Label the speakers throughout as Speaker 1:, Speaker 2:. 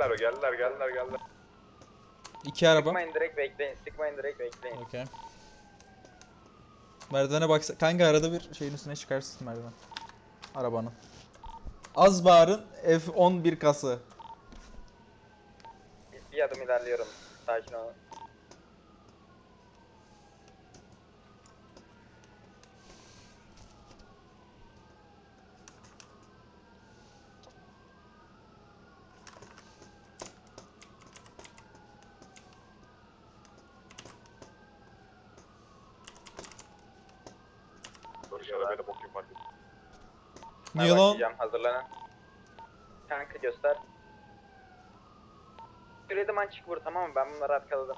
Speaker 1: Geldiler.
Speaker 2: İki araba.
Speaker 3: Sıkmayın direkt bekleyin.
Speaker 2: Okey. Merdivene baksa kanka arada bir şeyin üstüne çıkarsın merdiven. Arabanın. Az bağırın F11 kası.
Speaker 3: Bir adım ilerliyorum. Sakin olun.
Speaker 2: Niye lan?
Speaker 3: Başlayacağım, hazırlanın. Kanka göster. Süredim çık vur, tamam mı? Ben bunları arkaladım.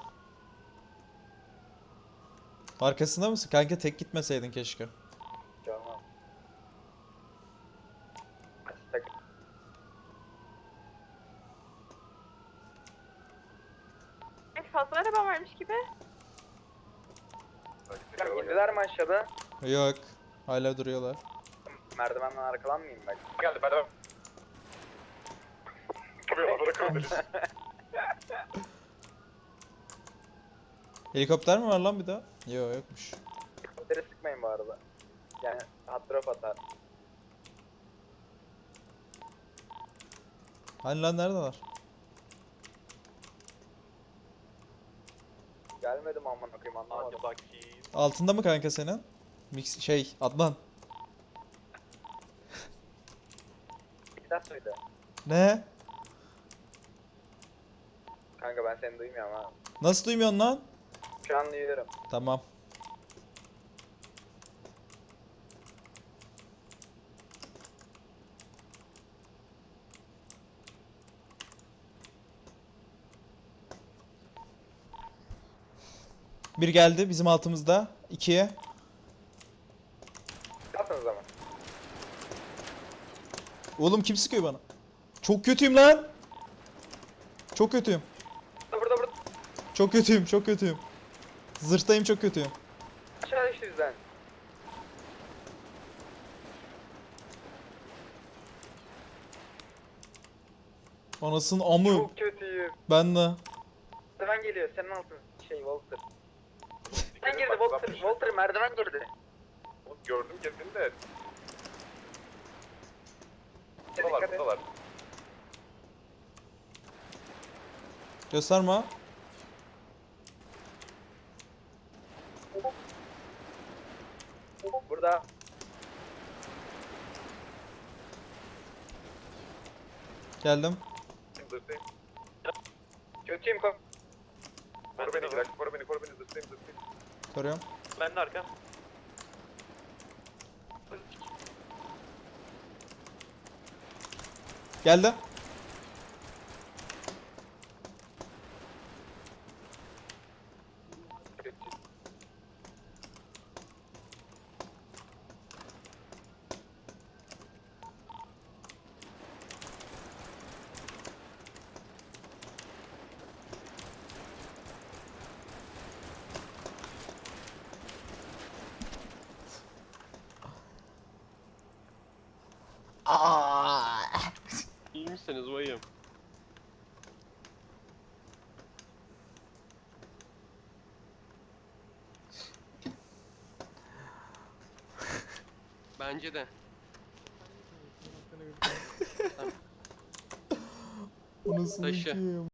Speaker 2: Arkasında mısın? Kanka tek gitmeseydin keşke.
Speaker 3: Hiç olmaz. Aç takım.
Speaker 4: Fazla araba varmış gibi.
Speaker 3: Tamam, indiler mi aşağıda?
Speaker 2: Yok. Hala duruyorlar.
Speaker 3: Merdivenden arkalanmayayım ben.
Speaker 1: Geldi merdiven.
Speaker 2: Helikopter mi var lan bir daha? Yok yokmuş.
Speaker 3: Helikopteri sıkmayın bu arada. Yani hot drop atar.
Speaker 2: Hani lan neredeler?
Speaker 3: Gelmedim aman okuyayım, anlamadım.
Speaker 2: Altında mı kanka senin? Mix Adnan.
Speaker 3: Bir daha söyle.
Speaker 2: Ne?
Speaker 3: Kanka ben seni duymuyorum ha.
Speaker 2: Nasıl duymuyorsun lan?
Speaker 3: Şu an duyuyorum.
Speaker 2: Tamam. Bir geldi bizim altımızda. İkiye.
Speaker 3: Kalsın o zaman.
Speaker 2: Oğlum kim sıkıyor bana? Çok kötüyüm lan. Çok kötüyüm.
Speaker 3: Burada.
Speaker 2: Çok kötüyüm, çok kötüyüm. Zırhtayım, çok kötüyüm.
Speaker 3: Aşağı düştü bizden.
Speaker 2: Anasının amı.
Speaker 3: Çok kötüyüm.
Speaker 2: Ben de.
Speaker 3: Merdiven geliyor, senin altın. Walter. Sen girdi Walter merdiven girdi.
Speaker 1: Gördüm kendini de.
Speaker 3: Dikkat et.
Speaker 1: Buradalar.
Speaker 2: Gösterme.
Speaker 3: Burada.
Speaker 2: Geldim.
Speaker 1: Zırtlayım.
Speaker 3: Kötüyüm
Speaker 1: Koru beni, zırtlayım.
Speaker 2: Koruyorum.
Speaker 5: Ben de arkam.
Speaker 2: Geldi.
Speaker 5: İyi misiniz bayım? Bence de.
Speaker 2: Bu nasıl
Speaker 5: Taşı.
Speaker 2: kim?